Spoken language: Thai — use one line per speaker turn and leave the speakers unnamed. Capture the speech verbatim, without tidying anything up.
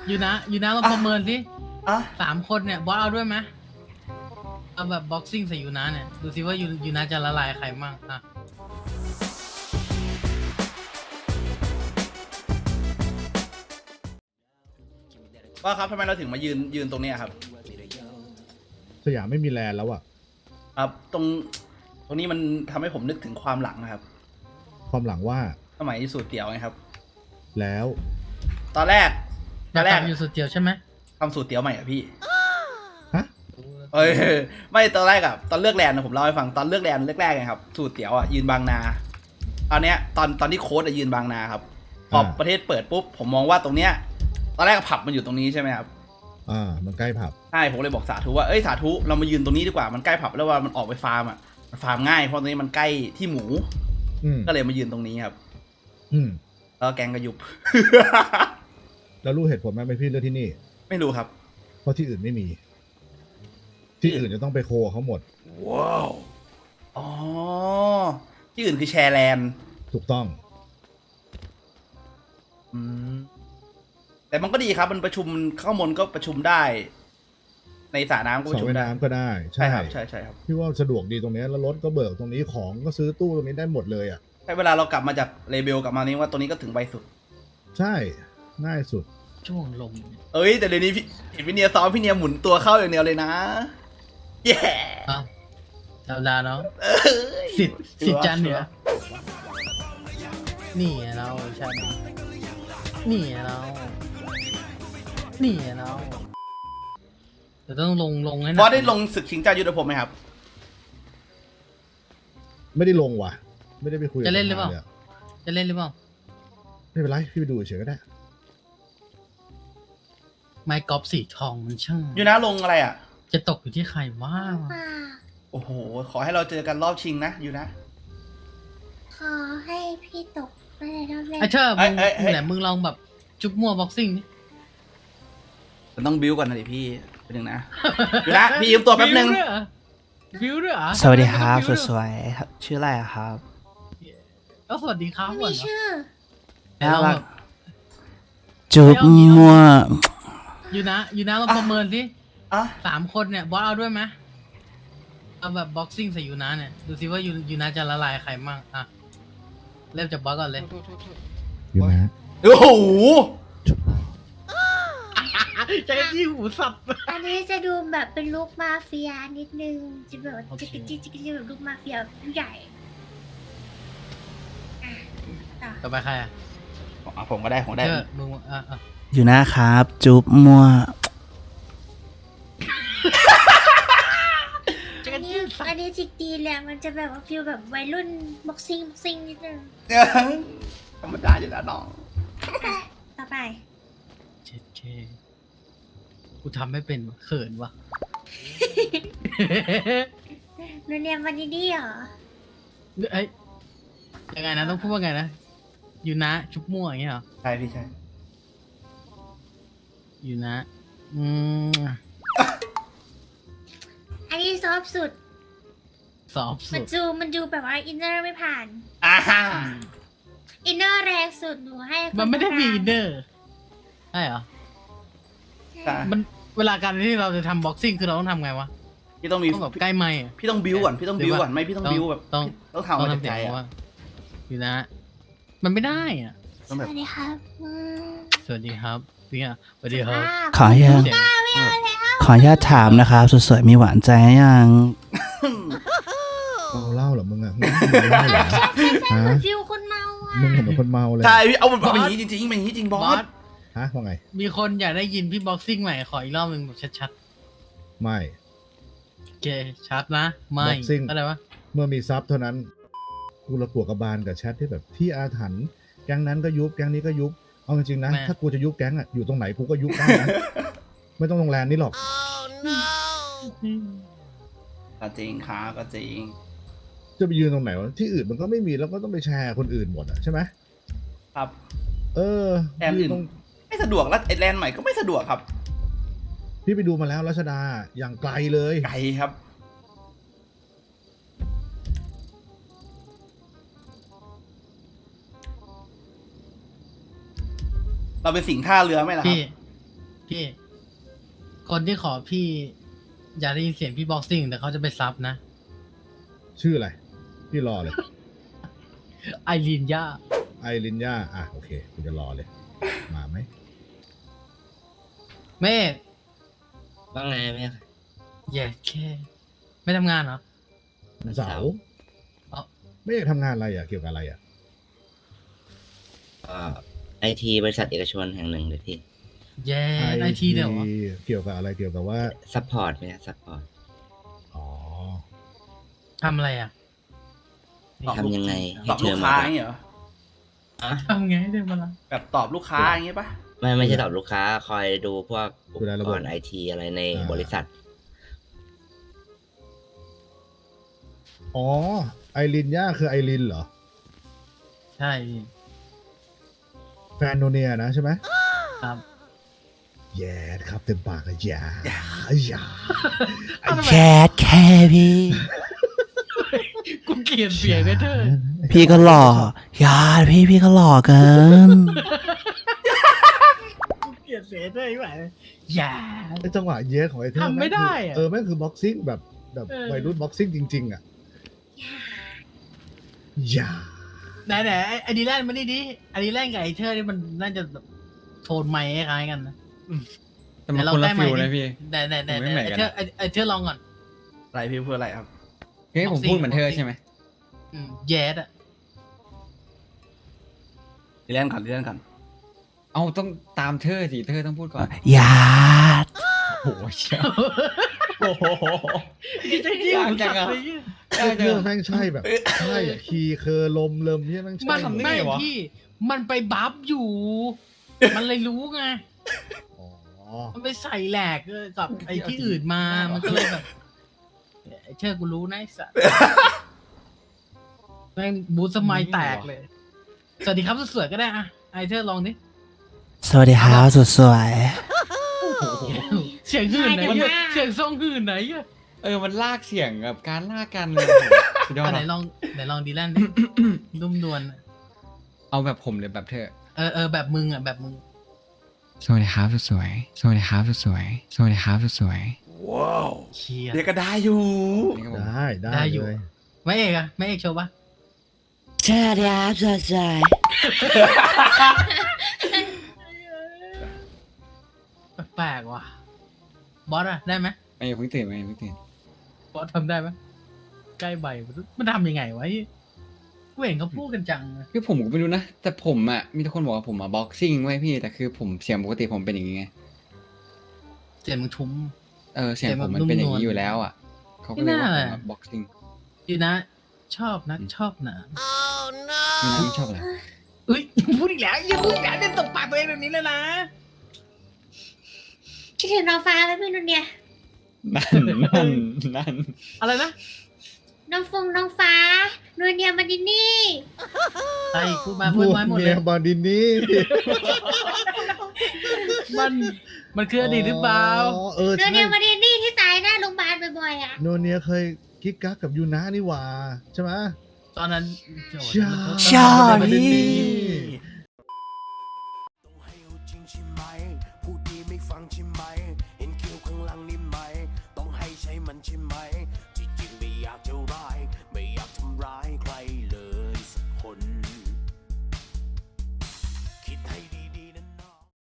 อยู่นะอยู่นะลองประเมินสิ
อ่ะ
สามคนเนี่ยบอสเอาด้วยไหมเอาแบบบ็อกซิ่งใส่ยูนะเนี่ยดูสิว่ายูยูนะจะละลายใครมั่งอ่ะ
ว่าครับทำไมเราถึงมายืนยืนตรงเนี้ยครับ
สยามไม่มีแลนด์แล้วอะ
ครับตรงตรงนี้มันทำให้ผมนึกถึงความหลังนะครับ
ความหลังว่า
สมัยสูตรเตี๋ยวไงครับ
แล้ว
ตอนแรกตอนแรก
อยากทำอยู่สุดเดียวใช่ไหม
ทำสูตรเตี๋ยวใหม่อะพี่
ฮะ
เอ้ยไม่ตอนแรกอะตอนเลือกแลนด์นะผมเล่าให้ฟังตอนเลือกแลนด์แรกๆไงครับสูตรเตี๋ยวอะยืนบางนาตอนเนี้ยตอนตอนที่โค้ดอะยืนบางนาครับพอประเทศเปิดปุ๊บผมมองว่าตรงเนี้ยตอนแรกผับมันอยู่ตรงนี้ใช่ไหมครับ
อ่า มันใกล้ผับ
ใช่ผมเลยบอกสาธุว่าเอ้ยสาธุเรามายืนตรงนี้ดีกว่ามันใกล้ผับแล้วว่ามันออกไปฟาร์มอะมันฟาร์มง่ายเพราะตรงนี้มันใกล้ที่หมู
อืม
ก็เลยมายืนตรงนี้ครับ
อืม
แล้วแกงก็ยุบ
แล้วรู้เหตุผลไหมไม่พี่เลือกที่นี่
ไม่รู้ครับ
เพราะที่อื่นไม่มี ที่อื่นจะต้องไปโคเขาหมด
ว้าวอ๋อที่อื่นคือแชร์แลนด์
ถูกต้อง
อืมแต่มันก็ดีครับมันประชุมข้างบนก็ประชุมได้ ในสระน้ำก็ป
สระ
ระชุม
ว่าย
ได้
น้ำก็ได้
ใช่
ใช่
ครับใช่ใช่ครับ
พี่ว่าสะดวกดีตรงเนี้ยแล้วรถก็เบิกตรงนี้ของก็ซื้อตู้ตรงนี้ได้หมดเลยอ่ะ
ใช่เวลาเรากลับมาจากเลเบลกลับมานี้ว่าตัวนี้ก็ถึงไวสุด
ใช่ ง่ายสุด
ช่วงลมเนี่ย
เอ้ยแต่เดี๋ยวนี้พี่เห็นพี่เนียซ้อมพี่เนียหมุนตัวเข้าอย่างเดียวเลยนะแย่
อ้าวธรรมดาเนาะ
เอ้ย
สิทธิ์สิทธิ์จันเหนือนี่ไงเราใช่ไหมนี่ไงเรานี่ไงเราแต่ต้องลงลงให้หนั
บอสได้ลงศึกชิงเจ้ายุทธภพไหมครับ
ไม่ได้ลงว่ะ ไม่ได้ไปคุยกับ
จะเล่นหรือเปล่า
สภย
จะเล่นหรือเปล่า
ไม่เป็นไร พี่ไปดูเฉยก็ได้
ไม้กอล์ฟสีทองมันช่าง
อยู่นะลงอะไรอ่ะ
จะตกอยู่ที่ใครว่า
โอ้โห ขอให้เราเจอกันรอบชิงนะอยู่นะ
ขอให้พี่ตกไปในรอบแรก
ไอ้เธอมึง
เอ้ยเอ้ยเอ้ย
ไหนมึงลองแบบจุ๊บมั่วบ็อกซิ่งนี่
มันต้องบิวก่อนนะดิพี่เป็นหนึ่งนะ อยู่นะพี่ยืมตัวแป๊บนึง
บิวด้วยเหรอ
สวัสดีครับ
บิวด้วย
สวยๆครับชื่ออะไรอะครับ
ก็สวัสดีครับ
ไม่
ก่อน
มี
เนอะ
ชื่อ
แล้วเราแบบ
จุ๊บมั่ว
อยู่นะอยู่นะลองประเมินสิ
อ่ะ
สามคนเนี่ยบอสเอาด้วยไหมเอาแบบบ็อกซิ่งใส่ยูนะเนี่ยดูสิว่ายูยูนะจะละลายใครมั่งอ่ะเริ่มจากบอสก่อนเลย
อยู่นะ
โอ้โห
ใจที่หูสับ
อันนี้จะดูแบบเป็นลูกมาเฟียนิดนึง จะแบบว่า
โอเค
จิกจิกจิกจิกแบบลูกมาเฟียผู้ใหญ่อ่ะต่อ
ต่อไปใครอ่ะ
อ่ะผมก็ได้ผมได้
เธอมึงอ่ะอ่ะ
อยู่นะครับ จุ๊บมั่ว
อันนี้อันนี้จิกดีแหละมันจะแบบว่าฟิลแบบวัยรุ่นบ็อกซิ่งบ็อกซิ่งนิดนึง
ธรรมดาอยู่แล้วน้อง
อ่ะต่อไป
เช็ดเคกูทำไม่เป็นว่ะเขินว่ะ
นูเนียมวันนี้ดีเหรอ
เอ้ยยังไงนะต้องพูดว่าไงนะยูนะชุบมั่วอย่างเงี้ยเหรอ
ใช่พี่ใช่
ยูนะอืม
อันนี้ซอฟต์สุด
สอบ
มั
สุ
น
ด
จูมันดูแบบว่าอินเนอร์ไม่ผ่าน
อ่าฮะ
อินเนอร์แรงสุดหนูให้ค
มันไม่ได้มี
กลาง
เนอร์ใช่เหรอ
ใช่
มันเวลาการที่เราจะทำบ็อกซิ่งคือเราต้องทำไงวะ
พี่ต้องมี
ต้องแบบใกล้ไมค์อะ
พี่ต้องบิวก่อนพี่ต้องบิวก่อนไม่พี่ต้องบิวแบบ
ต้อง
ต้องทำมาจากใจ
เสียง
อ่ะ
ว่าอยู่นะ มันไม่ได้อ่ะ
ต้องแบบ
สวัสดีครับอืม
สวัสดีครับพี่อ่ะสวัสดีครับ
ขออนุญาต
เสียง
ขออนุญาตถามนะครับสวยๆมีหวานใจยัง
เมาเหล้าเหรอมึงอ่ะมึงเมาเหล้าเหรอ
ใช่ใช่ใช่
ฮะ
เหมือนฟิลคนเมาอ่ะ
มึงเหมือนคนเมาเลย
ใช่พี่เอาแบบเป็นอย่างนี้จริงๆเป็นอย่างนี้จริงบบ อ
อ
ส
ส
ฮะว่าไง
มีคนอยากได้ยินพี่บ็อกซิ่งใหม่ขออีกรอบหนึ่งแบบชัด
ไม่
ๆโอเคชัดนะไม่
boxing
อะไรวะ
เมื่อมีซับเท่านั้น กูระกวกกระบาลกับแชทที่แบบที่อาถรรพ์แก๊งนั้นก็ยุบแก๊งนี้ก็ยุบ เอาจริงๆนะ ถ้ากูจะยุบแก๊งอ่ะอยู่ตรงไหนกูก็ยุบได้นะ ไม่ต้องโรงแรมนี่หรอก
ก็จริงครับก็จริง
จะไปยืนตรงไหนวะที่อื่นมันก็ไม่มีแล้วก็ต้องไปแชร์คนอื่นหมดอ่ะใช่ไหม
ครับ
เออ
แลนด์
ยื
อื่
น
น
ตรง
ไม่สะดวกแล้วไอ้แลนด์ใหม่ก็ไม่สะดวกครับ
พี่ไปดูมาแล้วรัชดาอย่างไกลเลย
ไกลครับ เราเป็นสิงห์ท่าเรือไหมล่ะครั
พี่
บ
พี่ คนที่ขอพี่ อย่าได้ยินเสียงพี่บ็อกซิ่งแต่เขาจะไปซับนะ
ชื่ออะไร พี่รอเลย
ไอรีนย่า
ไอรินย่าอ่ะโอเคกูจะรอเลย มาไหม
เมฆ
ว่าไงแม่ค่ะ
แย่แค่ ไม่ทำงานเหรอ
เสาร์
เอ้า
ไม่อยากทำงานอะไรอ่ะ เกี่ยวกับอะไรอ่ะ
ไอทีบริษัทเอกชนแห่งหนึ่งเลยพี่
แย่ไอทีเดี๋ยววะ
เกี่ยวกับอะไรเกี่ยวกับว่า
ซัพพอร์ตเนี่ยซัพพอร์ต
อ๋อ
ทำอะไรอ่ะ
ทำยังไง
ต
ให้
อบ
เธ
ลู
อก มา
ค้าอย่างเงี้ยเหรอ
อ่ะ
ทำไงให้เดินมาละ
แบบตอบลูกค้าอย่างเงี้ยปะ
ไม่ไม่ใช่ตอบลูกค้า คอยดูพวกอุ
ดู
ป
แลระ
ก
บบ
รณ์ไอทีอะไรใน
อ่า
บริษัท
อ๋อ ไอรินย่าคือไอรินเหรอ
ใช่
แฟนโนเนียนะใช่ไหม
ครับ
แย่ครับเต็มปากเลยอย่าอย่า
แคทแค่พี่
กูเกลียดเสียงไอ้เธอ
พี่ก็หล่ออย่าพี่พี่ก็หล่อเกิน
กูเกลียดเสียงเธอไอ้ไหวอย่า
ไอจังหวะเย้ของไอเทอร์
ทำไม่ได้อะ
เออแม่งคือบ็อกซิ่งแบบแบบ
เออ
วัยรุ่นบ็อกซิ่งจริง ๆ อ่ะ อย่า
ไหนไหนไอ้ไอดีแลนด์มานี่ดิไอดีแลนด์กับไอเธอนี่มันน่าจะแบบโทนไม้คล้ายๆกันนะ
แต่มันคนละฟิลนะพี่
ไหนไหนไหน
มันไม่เหมือน
ไอ
กัน
เธอไอไอเธอลองก่อน
อะไรพี่พูดอะไรครับ
เฮ้ยผมพูดเหมือนเธอใช่ไหม
อืมแย่อะ
เล่นก่อนเล่นก่อน
เอาต้องตามเธอสิเธอต้องพูดก่อน
อย่า
โอ้โหเชี่ยโอ้โห
จริงจริง
ยากจังอะ
ไอเทอร์แม่งใช่แบบ ใช่อะคีย์เคอร์ลมเริ่มที่แม่งใช่
มัน
ทำได้
ไม่
ไงวะ
พี่ มันไปบัฟอยู่ มันเลยรู้ไง
อ๋อ
มันไปใส่แหลกเออกับไอ้ที่อื่นมา มันก็เลยแบบไอ้เชื่อกูรู้นะไอ้สัสแม่งบูสมัยแตกเลย สวัสดีครับสวยๆก็ได้อะไอเธอลองดิ
สวัสดีครับสุดสวย
เสียงหื่นไหน
ใช่แต่
อะ
ว่า
เสียงทรงหื่นไหนอะ
เออมันลากเสียงแบบการลากกันเลยโอ้โหสุดยอด
อ่ะไหน
อะ
ลองไหนลองดีแลนดิ นุ่มนวล
เอาแบบผมเลยแบบเธอ
เออเออแบบมึงอ่ะแบบมึง
สวัสดีครับสวยสวัสดีครับสวยสวัสดีครับสวย
ว้าว
เชีย
เดี๋ยวก็ได้อยู่
นี่ครับผม
ได้ได้
ได้อยู่
เลย
ไม่เอกอะไม่เอกโชว์ปะ
ใช่ครับใช่ใช่
แปลกๆว่ะบอสอะได้ไหม
ไม่เพิ่งตื่นไม่เพิ่งตื่น
บอสทำได้ไหมใกล้ใบมันทำยังไงวะไอ้กูเห็นเขาพูดกันจัง
คือผมก็ไม่รู้นะ แต่ผมอ่ะมีทุกคนบอกว่าผมมาบ็อกซิ่งไว้พี่แต่คือผมเสียงปกติผมเป็นอย่างงี้ไง
เสียงมึงทุ้ม
เออเสียง
เสียง
ผ
แบบ
มมันเป็นอย่าง
นุ่มนวล
นี้อยู่แล้วอ่ะเขาก็เลยว่า
ไม่
ผม
น่า
มาบ็อกซิ่ง
ดีนะ ชอบนะชอบหนะ
มีน้ำชอบอะไร
เอ้ยพูดอีกแล้วอย่าพูดอีกแล้วเนี่ยตบปากตัวเองแบบนี้เลยนะ
คิดถึงน้องฟ้าไหมพี่นุ่นเนี่ย
นั่นนั่นนั่น
อะไรนะ
น้องฟงน้องฟ้านูเนียมาดินี่
ไอ้พูดมาพูดมาหมดเลย
บาดินนี่
มันมันคืออดีตหรือเปล่า
อ๋อเออ
นู
ใช่
เนียมาดินี่ที่ตายหน้าโรงพยาบาลบ่อยๆอ่ะ
โนเนียเคยกิ๊กกักกับยูนะนี่หว่าใช่ไหม
ตอนนั้นโจ
ใช่
มัน
ใช่
มันเป็น
พี่
ดี